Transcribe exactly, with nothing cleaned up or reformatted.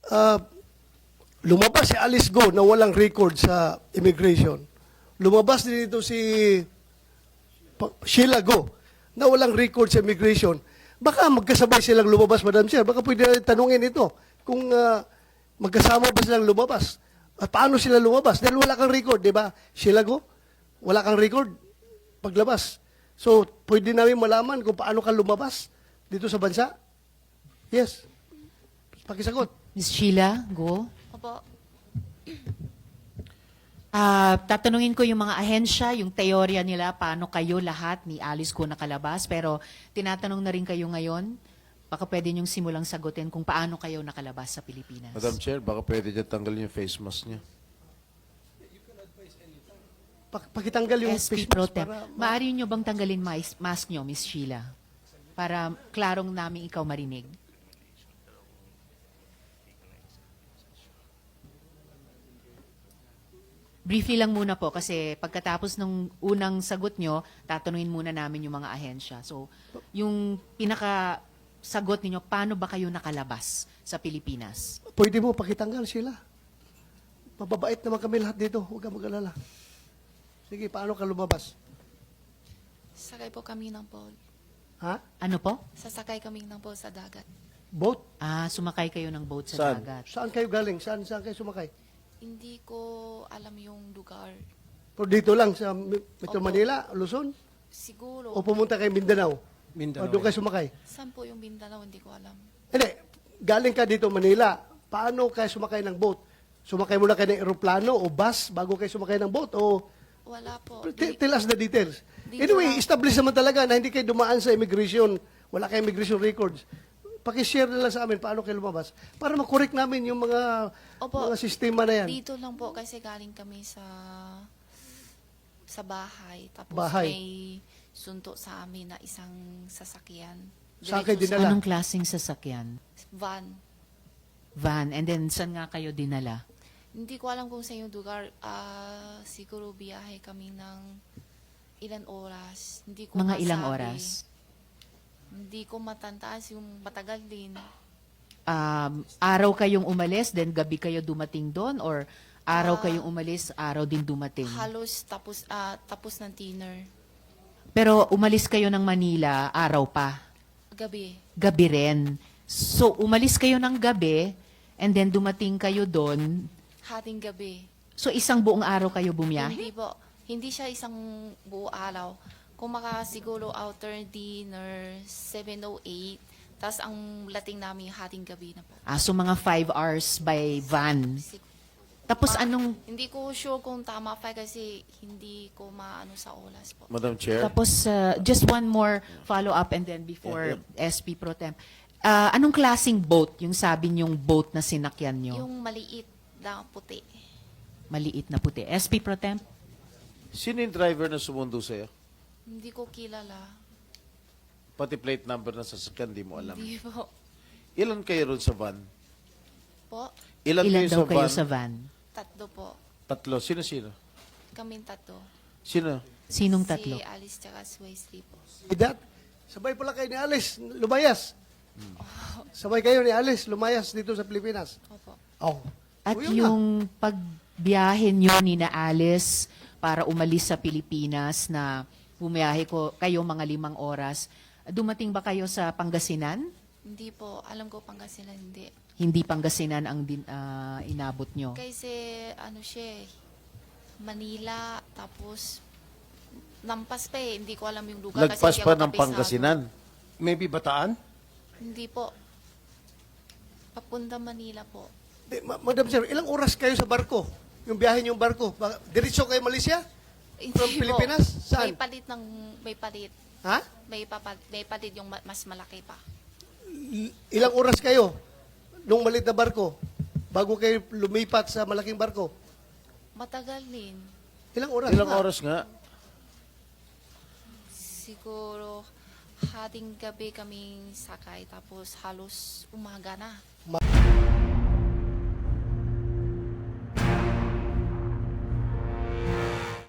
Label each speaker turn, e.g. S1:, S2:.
S1: ah, lumabas si Alice Go na walang record sa immigration. Lumabas din dito si Pa- Sheila Go na walang record sa immigration. Baka magkasabay silang lumabas, Madam Chair. Baka pwede natin tanungin ito kung ah, magkasama ba silang lumabas. At paano sila lumabas? Dahil wala kang record, di ba? Sheila Go, wala kang record paglabas. So, pwede namin malaman kung paano ka lumabas dito sa bansa? Yes. Pakisagot.
S2: Miz Sheila, go.
S3: Opo.
S2: Ah, tatanungin ko yung mga ahensya, yung teorya nila, paano kayo lahat ni Alice ko nakalabas. Pero tinatanong na rin kayo ngayon, baka pwede niyong simulang sagutin kung paano kayo nakalabas sa Pilipinas.
S4: Madam Chair, baka pwede niya tanggalin yung face mask niya.
S1: Pak- Pakitanggal yung
S2: S P
S1: face
S2: Pro
S1: mask
S2: Tem.
S1: para...
S2: Maaari niyo bang tanggalin mais- mask niyo, Miss Sheila? Para klarong namin ikaw marinig. Briefly lang muna po kasi pagkatapos ng unang sagot nyo, tatanungin muna namin yung mga ahensya. So, yung pinaka sagot ninyo, paano ba kayo nakalabas sa Pilipinas?
S1: Pwede mo pakitanggal sila. Mababait naman kami lahat dito. Huwag ka mag-alala. Sige, paano ka lumabas?
S3: Sakay po kami ng boat.
S1: Ha?
S2: Ano po?
S3: Sasakay kami ng boat sa dagat.
S1: Boat?
S2: Ah, sumakay kayo ng boat sa
S4: Saan?
S2: dagat.
S1: Saan kayo galing? Saan, saan kayo sumakay?
S3: Hindi ko alam yung lugar.
S1: Pero dito lang sa Metro
S3: Opo.
S1: Manila, Luzon?
S3: Siguro.
S1: O pumunta kayo Mindanao?
S5: Mindanao.
S1: O doon kayo sumakay?
S3: Saan po yung Mindanao? Hindi ko alam.
S1: Hindi. Galing ka dito Manila. Paano kayo sumakay ng boat? Sumakay muna kayo ng eroplano o bus bago kayo sumakay ng boat? O
S3: Wala po.
S1: T-
S3: Di-
S1: tell us the details.
S3: Dito
S1: Anyway,
S3: lang.
S1: establish naman talaga na hindi kayo dumaan sa immigration. Wala kayong immigration records. Pakishare na lang sa amin paano kayo lumabas para makorek namin yung mga
S3: Opo.
S1: mga sistema na yan.
S3: Dito lang po kasi galing kami sa sa bahay. Tapos
S1: Bahay.
S3: may sunto sa amin na isang sasakyan.
S1: Saan kayo
S3: Diretso
S1: dinala?
S2: Anong klaseng sasakyan?
S3: sa Van.
S2: Van. And then, saan nga kayo dinala?
S3: Hindi ko alam kung sa yung lugar. Ah, siguro biyahe kami ng ilan oras. Hindi ko
S2: Mga ilang
S3: masabi.
S2: oras?
S3: Hindi ko matantaas yung matagal din.
S2: Um, araw kayong umalis, then gabi kayo dumating doon? Or araw
S3: Ah,
S2: kayong umalis, araw din dumating?
S3: Halos tapos ah, tapos ng dinner.
S2: Pero umalis kayo ng Manila, araw pa.
S3: Gabi.
S2: Gabi rin. So, umalis kayo ng gabi, and then dumating kayo doon.
S3: Hating gabi.
S2: So, isang buong araw kayo bumiyahe?
S3: Hindi po. Hindi siya isang buo araw. Kung maka siguro outer dinner, seven oh eight. Tapos ang lating namin hating gabi na po.
S2: Ah, so, mga five hours by van.
S3: Sig-
S2: Tapos,
S3: Ma-
S2: anong...
S3: Hindi ko sure kung tama pa kasi hindi ko maano sa oras po.
S4: Madam Chair,
S2: Tapos, uh, just one more follow-up and then before S P Pro Tem. Ah, anong klaseng boat yung sabi niyong boat na sinakyan niyo?
S3: Yung maliit na puti.
S2: Maliit na puti. S P Pro Tem?
S4: sino yung driver na sumundo sa'yo?
S3: Hindi ko kilala.
S4: Pati plate number ng sasakyan, di mo alam.
S3: Hindi po.
S4: Ilan kayo ron sa van?
S3: Po,
S4: Ilan,
S2: Ilan
S4: kayo
S2: daw
S4: sa
S2: kayo
S4: van?
S2: sa van?
S3: tatlo po.
S4: Tatlo. Sino-sino?
S3: Kaming tatlo.
S4: Sino?
S2: Sinong tatlo?
S3: Si Alice tsaka si Wesley po.
S1: That, sabay pala kayo ni Alice, lumayas. Sabay kayo ni Alice, lumayas dito sa Pilipinas.
S3: Opo.
S1: Oh.
S2: At
S1: So, yun na.
S2: yung pagbiyahe nyo ni na Alice para umalis sa Pilipinas na bumiyahe ko kayo mga limang oras, dumating ba kayo sa Pangasinan?
S3: Hindi po. Alam ko Pangasinan hindi.
S2: Hindi Pangasinan ang din, ah, inabot nyo.
S3: Kasi ano siya eh, Manila, tapos nampas pa eh. Hindi ko alam yung lugar. kasi
S4: Lagpas
S3: hindi
S4: pa
S3: ako
S4: ng
S3: kabisado.
S4: Pangasinan.
S5: Maybe Bataan?
S3: Hindi po. Papunta Manila po.
S1: Eh, Ma- Madam Sir, ilang oras kayo sa barko? Yung biyahe niyong barko? Ba- Diretso kayo Malaysia?
S3: Hindi
S1: From
S3: po.
S1: Pilipinas? Saan?
S3: May palit ng, may palit.
S1: Ha?
S3: May, papal, may palit yung ma- mas malaki pa.
S1: I- Ilang oras kayo nung malit na barko bago kayo lumipat sa malaking barko?
S3: Matagal din.
S1: Ilang oras?
S4: Ilang
S1: nga?
S4: oras nga?
S3: Siguro hating gabi kaming sakay tapos halos umaga na.
S1: Ma-